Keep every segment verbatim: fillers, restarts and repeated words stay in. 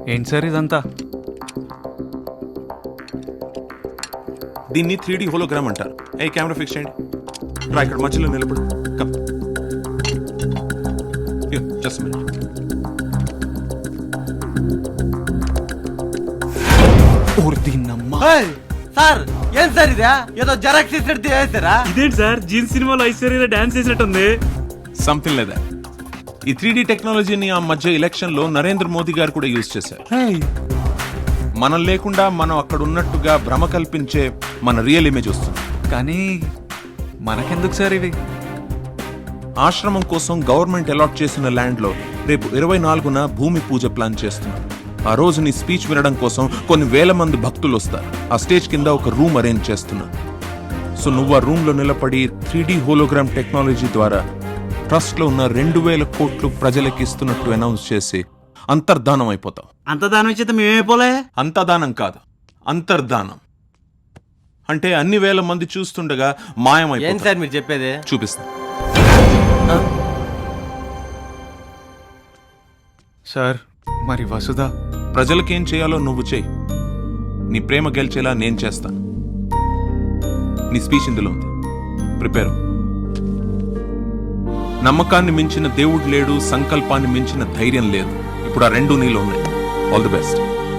ఏంటి సార్ ఇదంతా? దీన్ని త్రీ డి హోలోగ్రామ్ అంటారు. ఏ కెమెరా ఫిక్స్ చేయండి. రా ఇక్కడ మధ్యలో నిలబడు. Come just minute. సార్ ఏం సార్ ఇదా? ఏదో జెరాక్స్ ఇచ్చినట్టు చేస్తారా? ఇదేంటి సార్ జీన్స్ సినిమాలో ఐశ్వర్య డాన్స్ చేసినట్టుంది. సంథింగ్ లేదా. ఈ త్రీ డి టెక్నాలజీని ఆ మధ్య ఎలక్షన్ లో నరేంద్ర మోదీ గారు కూడా యూజ్ చేశారు. మనం లేకుండా మనం అక్కడ ఉన్నట్టుగా భ్రమ కల్పించే మన రియల్ ఇమేజ్ వస్తుంది. కానీ మనకెందుకు సార్ ఇవి? ఆశ్రమం కోసం గవర్నమెంట్ అలాట్ చేసిన ల్యాండ్ లో రేపు ఇరవై నాలుగున భూమి పూజ ప్లాన్ చేస్తున్నాం. ఆ రోజు నీ స్పీచ్ వినడం కోసం కొన్ని వేల మంది భక్తులు వస్తారు. ఆ స్టేజ్ కింద ఒక రూమ్ అరేంజ్ చేస్తున్నా. సో నువ్వు ఆ రూమ్ లో నిలబడి త్రీ డి హోలోగ్రామ్ టెక్నాలజీ ద్వారా ట్రస్ట్ లో ఉన్న రెండు వేల కోట్లు ప్రజలకు ఇస్తున్నట్టు అనౌన్స్ చేసి అంతర్ధానం అయిపోతావు. అంత దానం ఇచ్చేత మేమైపోలే. అంతదానం కాదు, అంతర్ధానం అంటే అన్ని వేల మంది చూస్తుండగా మాయమైపోతావు. ఏం సార్ మీరు చెప్పేది? చూపిస్తా. సార్ మరి వసుధ? ప్రజలకేం చేయాలో నువ్వు చేయి. నీ ప్రేమ గెలిచేలా నేను చేస్తాను. నీ స్పీచ్ ఇందులో ఉంది. ప్రిపేర్. నమ్మకాన్ని మించిన దేవుడు లేడు, సంకల్పాన్ని మించిన ధైర్యం లేదు. ఇప్పుడు ఆ రెండు నీలో ఉన్నాయి. All the best.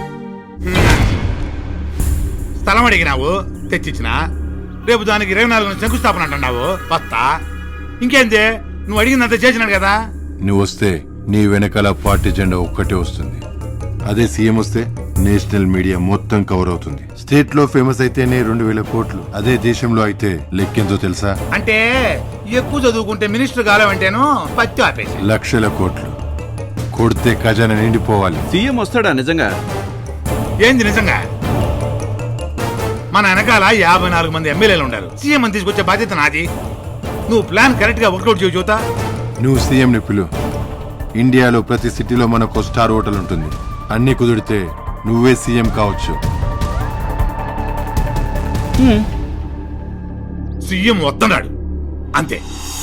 స్థలం అడిగినావు, తెచ్చిచ్చిన. రేపు దానికి ఇరవై నాలుగు శంకుస్థాపన అంటున్నావు. వస్తా. ఇంకేంది, నువ్వు అడిగిందంత చేసినాడు కదా. నువ్వు వస్తే నీ వెనకాల పార్టీ జెండా ఒక్కటే వస్తుంది. అదే సీఎం వస్తే నేషనల్ మీడియా మొత్తం కవర్ అవుతుంది. స్టేట్ లో ఫేమస్ అయితేనే రెండు వేల కోట్లు. అదే దేశంలో అయితే లెక్కెంతో తెలుసా? అంటే ఎక్కువ చదువుకుంటే మినిస్టర్ కాలేవంటేను పత్తి ఆపేసి లక్షల కోట్లు కొడితే ఖజానా నిండిపోవాలి. సీఎం వస్తాడా నిజంగా? ఏంది నిజంగా? మన వెనకాల యాభై నాలుగు మంది ఎమ్మెల్యేలు ఉన్నారు. సీఎం అని తీసుకొచ్చే బాధ్యత నాది. నువ్వు ప్లాన్ కరెక్ట్ గా వర్కౌట్ చేయ చూతా. నువ్వు సీఎం ని పిలు. ఇండియాలో ప్రతి సిటీలో మనకు స్టార్ హోటల్ ఉంటుంది. అన్ని కుదిరితే నువ్వే సీఎం కావచ్చు. సీఎం వస్తున్నాడు అంతే.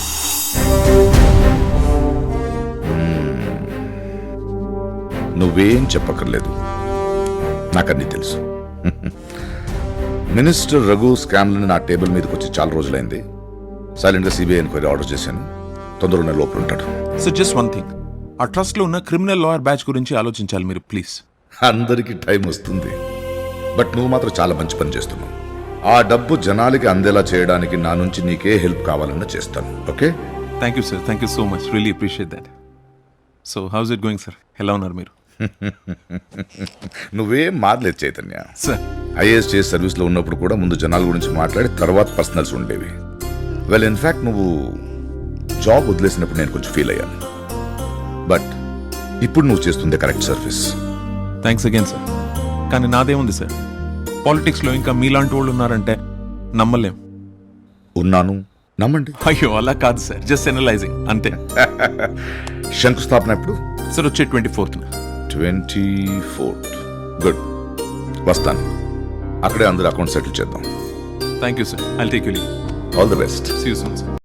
నువ్వేం చెప్పక్కర్లేదు, నాకన్నీ తెలుసు. మినిస్టర్ రఘు స్కామ్లను నా టేబుల్ మీదకి వచ్చి చాలా రోజులైంది. సైలెంట్గా సిబిఐ ఎంక్వైరీ ఆర్డర్ చేశాను. తొందరగా లోపల ఉంటాడు. సో జస్ట్ వన్ థింగ్, ఆ ట్రస్ట్ లో ఉన్న క్రిమినల్ లాయర్ బ్యాచ్ గురించి ఆలోచించాలి మీరు ప్లీజ్. అందరికీ టైం వస్తుంది, బట్ నువ్వు మాత్రం చాలా మంచి పని చేస్తున్నావు. ఆ డబ్బు జనాలకి అందేలా చేయడానికి నా నుంచి నీకే హెల్ప్ కావాలన్నా చేస్తాను. Okay? Thank you sir, thank you so much, really appreciate that. So how's it going sir? ఎలా ఉన్నారు మీరు? నువ్వేం మారలేదు చైతన్య. సార్ ఐఏఎస్ చేసి సర్వీస్లో ఉన్నప్పుడు కూడా ముందు జనాల గురించి మాట్లాడి తర్వాత పర్సనల్స్ ఉండేవి. వెల్ ఇన్ఫ్యాక్ట్ నువ్వు జాబ్ వదిలేసినప్పుడు నేను కొంచెం ఫీల్ అయ్యాను. బట్ ఇప్పుడు నువ్వు చేస్తుంది correct service. Thanks again sir. కానీ నాదేముంది సార్, పాలిటిక్స్లో ఇంకా మీలాంటి వాళ్ళు ఉన్నారంటే నమ్మలేం. ఉన్నాను, నమ్మండి. అయ్యో అలా కాదు సార్, జస్ట్ ఎనలైజింగ్ అంతే. శంకుస్థాపన ఎప్పుడు సార్? వచ్చే twenty fourth. Twenty fourth good. వస్తాను. అక్కడే అందరు అకౌంట్ సెటిల్ చేద్దాం. Thank you sir. I'll take you leave. All the best. See you soon sir.